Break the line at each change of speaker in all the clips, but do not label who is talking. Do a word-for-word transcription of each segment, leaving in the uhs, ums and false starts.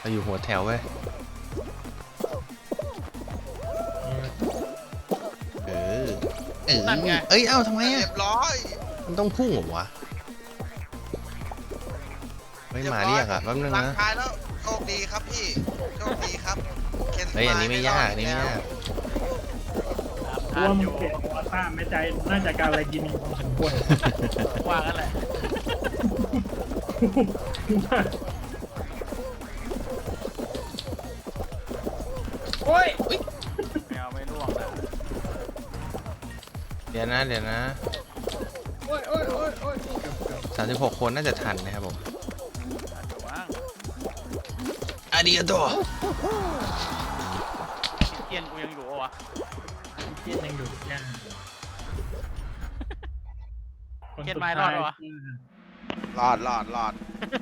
เราอยู่หัวแถวเว้ยเออเออเอ้ยเอ้าทำไมอ่ะ
เรียบร้อย
มันต้องพุ่งเหรอวะไม่มาเรียกอ่ะแป๊บนึง
ร่าง
นะ
กายแล้วโชคดีครับพี่โชคดีครับ
เฮ้ยอันนี้ไม่ยากอันนี้ไม่ยาก
ตัวมึงเก่งวอต้าไม่ใจน่าจะการอะไรกินพอสมควร
ว่ากันแหละโอ้ยแมวไม่ร่วงนะ
เดี๋ยวนะเดี๋ยวนะ
โอ้ยโอ้ยโอ้ยโอ้ย
สามสิบหกคนน่าจะทันนะครับผม
อาจจะว่าง
อาดิอาโต
เกียนกูยังอยู่วะ
เกียนยังอยู่ยัง
เกียนไม้รอดวะ
รอดรอดรอด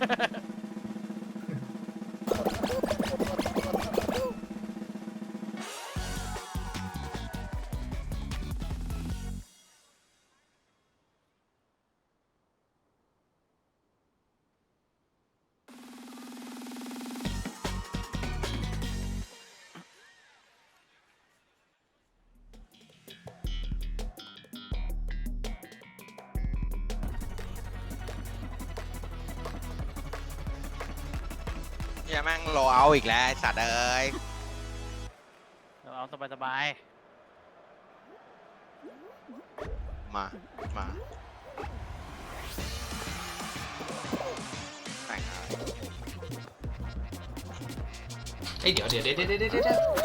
เฮียแม่งโลเอาอีกแล้วไอ้สัตว์เอ้ย
เราเอาสบาย
มามาแต่งงาน
เฮ้ยเดี๋ยวเดี๋ยวเดี๋ยวเดี๋ยวเดี๋ยวเดี๋ยว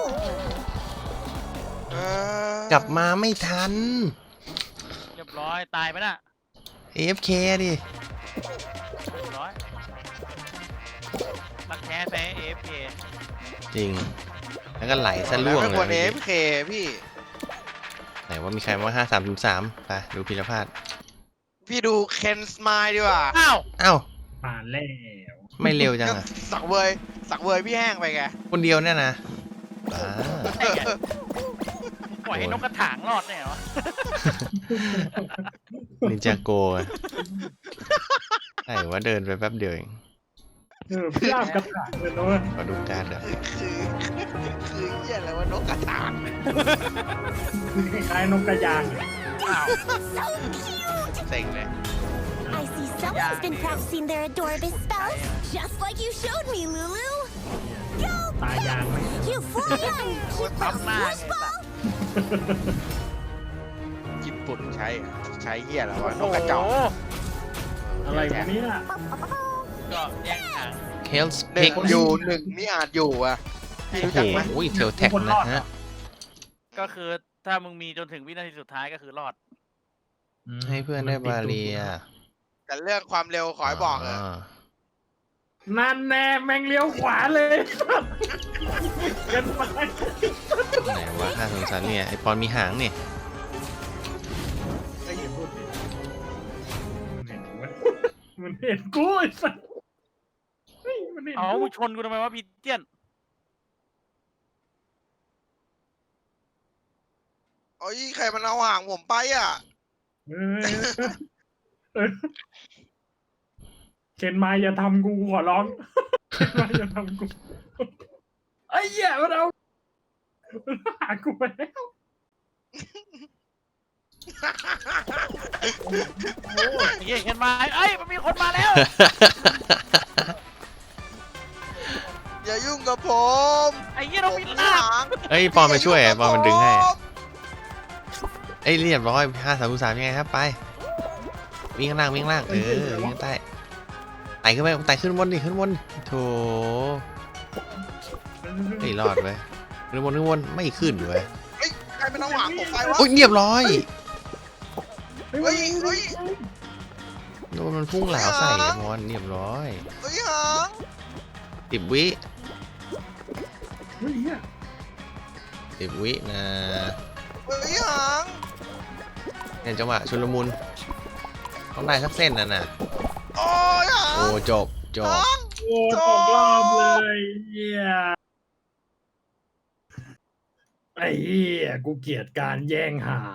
เออก
ลับมาไม่ทัน
ๆเรียบร้อยตายไปน่ะ
เอ เอฟ เค ดิ
เรียบร้อยรักแท้แพ้เอฟเค
จริงแล้วก็ไหลซะล่วง
ไม่
เล
ควรเอย ฟ
เมื่อ
เค
กี้
พี่
ไหนว่ามีใครมาห้าสามสามไปดูพิรพาด
พี่ดูเคนสมายดีกว่า
อ้าว
อ้าว
ผ่านแล้ว
ไม่เร็วจังอ่ะ
สักเวย สักเวยพี่แห้งไปไง
คนเดียวเนี่ยนะอ่า
ไอ้แกปล่อยให้นกกระถางรอดเนี่ยวะ
นินจาโกะใช่ว่าเดินไปแป๊บเดียวเอง
เออพี่ลาบกระถางเลยนะเว้ย
ขอดูการ์ดเดี๋ยว
คือคือเหี้ยอะไรว่านกกระถาง
คล้ายๆนกกระยางอะ
อ้าว
เซ็งเลย
I see someone's been practicing their Adorabus spells, just like you showed me, Lulu. Go,
ตายยางไหม
you fly on, you little swoosh ball.
ญี่ปุ่นใช้ใช้เหี้ยอะไรวะนกกระจอก
โโห
อะไรพวกนี้ล่ะ
ก็แย่งหาง
เคลส์
หนึ่
พิ
ง
ก
อยู่หนึ่งนี่อาจอยู่อ่ะ
ให้
โอ้
รู้
โห
จักไหม
อุ้ยเทลแท็กนะฮะ
ก็คือถ้ามึงมีจนถึงวินาทีสุดท้ายก็คือรอด
ให้เพื่อนได้บาเรีย
แต่เรื่องความเร็วขอให้บอกเลย
า
นั่นแน่แม่งเลี้ยวขวาเลยเกันไป
ไหนวะห้าสามสามเนี่ยไอปอนมีหางนี่
ไอ้อย่าพูดดิมันเห็นกูไอ้สัสเฮ้ยมันเห็น
เอา
กู
มึงชนกูทำไมวะพีเจียน
โอ้ยใครมันเอาห่างผมไปอ่ะ
เออเออเข็นมาอย่าทำกูขอร้องเข็นมาอย่าทำกูไอ้เหี้ยมันเอามันหากูไปแล้ว
ไอ้เหี้ยเห็นมาเอ้ยมันมีคนมาแล้ว
อย่ายุ่งกับผม
ไอ้เหี้ย
ผ
เรา
ม
มี
มี
ลาบ
หาง
เอ้ยปอนมาช่วยไอปอนมันดึงให้
ผม
เอ้ยเรียบร้อยห้าสามสามยังไงครับไปวิ่งข้างล่างวิ่งข้างล่างเออวิ่งข้างใต้ไต่ขึ้นไปไต่ขึ้นบนดิขึ้นบนโถเฮ้ยรอดไปขึ้นบนขึ้นบนไม่ขึ้นเว้ย
เฮ้ยใครมันเอาห่างผมไปวะ
โอ้ยเรียบร้อย
เฮ้ย
เฮ้ยเฮ้ย
โดนมันพุ่งเหลาใส่ไอ้มอนเรียบร้อย
เฮ้ยหาง
สิบวิ
เฮ้ยเหี้ย
สิบวินะ
เฮ้ยหาง
เนี่ยจังหวะชุลมุนต้องได้สักเส้นน่ะนะ
โอ้ยหาง
โอ้จบจบ
หาง
โอ้ตกรอบเลยเหี้ยไอ้เหี้ยกูเกลียดการแย่งหาง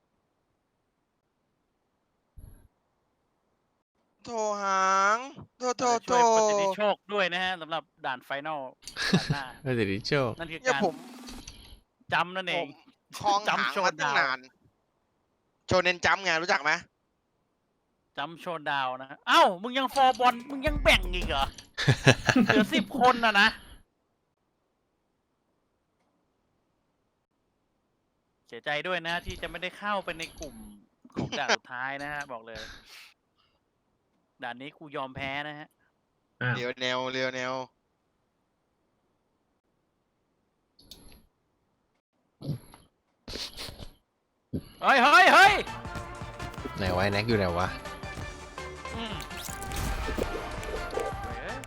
โถหางโถโทษโท
ช่วยประสิทธิ
ษ
โชคด้วยนะฮะสำหรับด่านไฟนอลด่านหน้า
ประสิทธิโชค
นั่นคือ
เนี่ย
การ
ผม
จำนั่นเอ
ผ
ง
มคลองหาง
จำโช
มา
ว์
ตั้ง
ดาว
นาน โชเนนจัมป์ไงรู้จักไหม
จำโชว์ดาวนะฮะเอ้ามึงยังฟอร์บอลมึงยังแบ่งอีกเหรอ เหลือสิบคนนะนะ เสียใจด้วยนะที่จะไม่ได้เข้าไปในกลุ่มของด่านสุดท้ายนะฮะ บอกเลย ด่านนี้กูยอมแพ้นะฮะ
อ้าว
เรียวแนวเรียวแนว
เฮ้ยเฮ้ยเฮ้ย
ไหนวะไอ้แน็กอยู่ไหนวะ
อืมเฮ้ย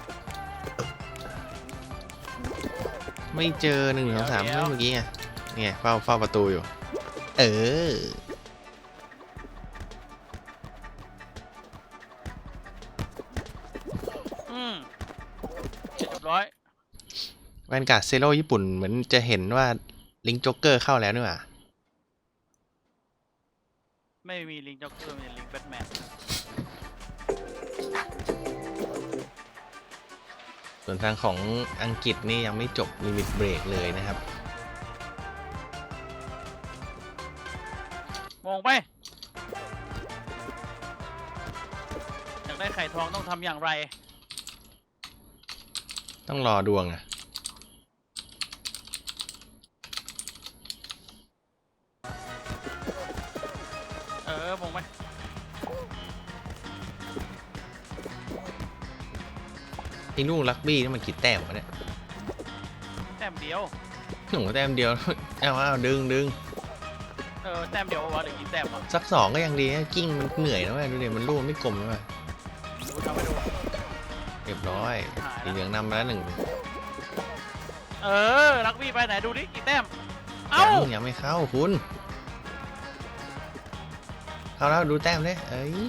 ไม่เจอหนึ่งสองสาม
เดี๋ยว
เมื่อกี้ไงนี่ไงเฝ้าเฝ้าประตูอยู่ เออ
อืมเรียบร้อย
แวนการ์ดเซโร่ญี่ปุ่นเหมือนจะเห็นว่าลิงจ็อกเกอร์เข้าแล้วนี่หว่า
ไม่มีลิงจ็อกเกอร์มีลิงแบทแมน
ส่วนทางของอังกฤษนี่ยังไม่จบลิมิตเบรกเลยนะครับ
มองไป อยากได้ไข่ทองต้องทำอย่างไร
ต้องรอดวงอ่ะ
เออมองไป
ไอ้ลูกลักบี้นี่มันกี่แต้มวะเนี่ย
แต้มเดียว
หนูแต้มเดียว เอาเอาดึงดึง
เออแต้มเดียววะหรือกี่แต้มวะ
สักสองก็ยังดีนะกิ้งมันเหนื่อยนะเว้ยดูดิมันลูกไม่กลมนะเว้ย
ดูทำไปดู
เรียบร้อย
หาย
สี
แล้ว
เหลืองนำมาแล้วหนึ่ง
เออลักบี้ไปไหนดูดิกี่แต้ม เอ้า
ยังยังไม่เข้าคุณ เข้าแล้วดูแต้มเลยเอ้ย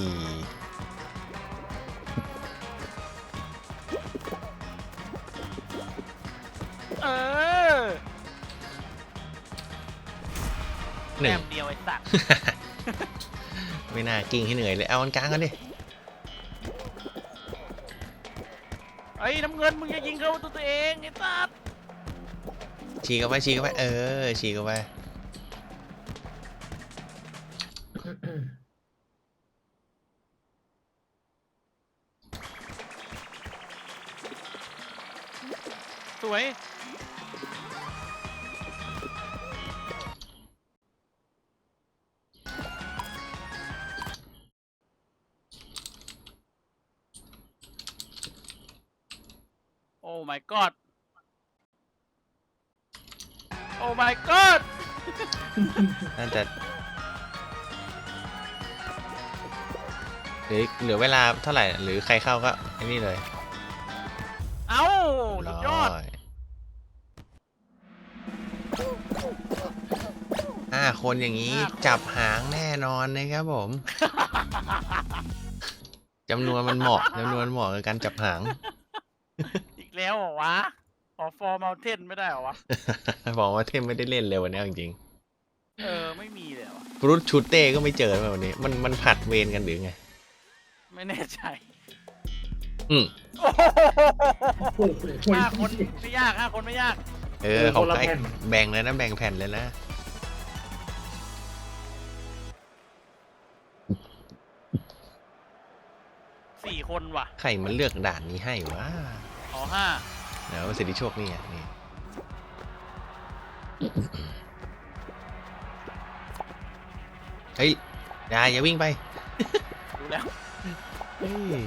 เออ
หนึ่
แต้
ง
มเดียวไอ้สัตว์
ไม่น่ากิ้งให้เหนื่อยเลยเอาอันกลางกันดิ
ไอ้ยน้ำเงินมึงจะยิงเข้าตัวตัวเองไอ้สัตว์
ฉีกเข้าไปฉีกเข้าไปเออฉีกเข้าไป
สวยโอ้ my god โอ้ my god
น่าจะหรือเหลือเวลาเท่าไหร่หรือใครเข้าก็ไอ้นี่เลย
เอ้าสุดยอด
ร้ห้าคนอย่างนี้
ห้าคน
จับหางแน่นอนนะครับผมจำนวนมันเหมาะจำนวนเหมาะกับการจับหาง
อีกแล้วเหรอวะ ขอฟอร์มาเทนไม่ได้เหรอวะ
บอกว่าเทมไม่ได้เล่นเลยวันนี้จริง
เออ ไม่มีเลยเหรอวะ
ๆฟรุตชูเต้ก็ไม่เจอมาวันนี้ มันมันผัดเวรกันหรือไง
ไม่แน่ใจ
อืม
โอ้โห
โอ้โห
ห้าคนไม่ยากห้าคนไม่ยาก
เออ
เออ
ของ
คนละ
ใคร
แผ่น
แบ่งเลยนะแบ่งแผ่นเลยนะ
สี่คนว่ะ
ใครมันเลือกด่านนี้ให้วะ
อ๋อห้า
เดี๋ยวประสิทธิโชคนี่อ่ะนี่เฮ้ยอย่าอย่าวิ่งไป
ดูแล้ว
เฮ้ย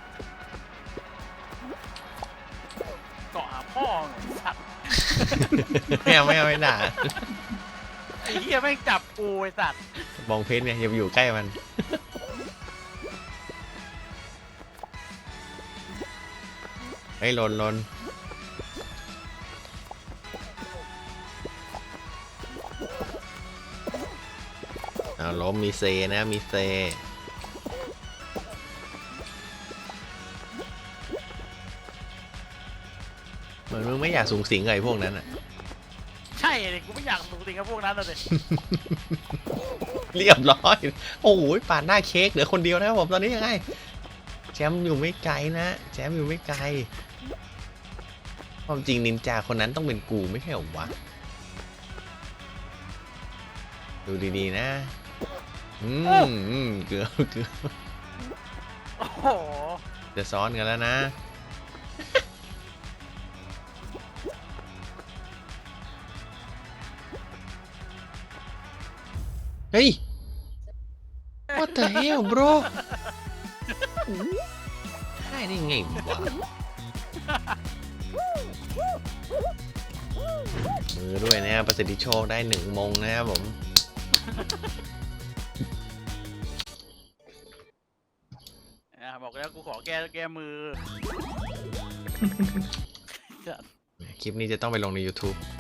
เกาะหาพ่อไอ้สัตว์
ไม่เอาไม่เอาไม่ด่า
ไอ้เหี้ยแม่งจับกูไอ้สัตว์
บองเพชรเนี่ยอย่าไปอยู่ใกล้มัน เฮ้ยลนลนเอาล้มมีเซนะมีเซเหมือนมึงไม่อยากสูงสิงกับไอ้พวกนั้นอ่ะ
ใช่เลยกูไม่อยากสูงสิงกับพวกนั้นเลย
เรียบร้อย โอ้โหปาดหน้าเค้กเหลือคนเดียวนะครับผมตอนนี้ยังไงแชมป์อยู่ไม่ไกลนะแชมป์อยู่ไม่ไกลความจริงนินจาคนนั้นต้องเป็นกูไม่ใช่เหรอวะดูดีๆนะอืมอืมเกือบเกือบ
โอ้โห
จะซ้อนกันแล้วนะ เฮ้ย what the hell bro ได้ได้ไงวะมือด้วยนะครับประสิทธิโชคได้หนึ่งมงนะครับผม
อ่ะบอกแล้วกูขอแก้แก้มือ
คลิปนี้จะต้องไปลงใน YouTube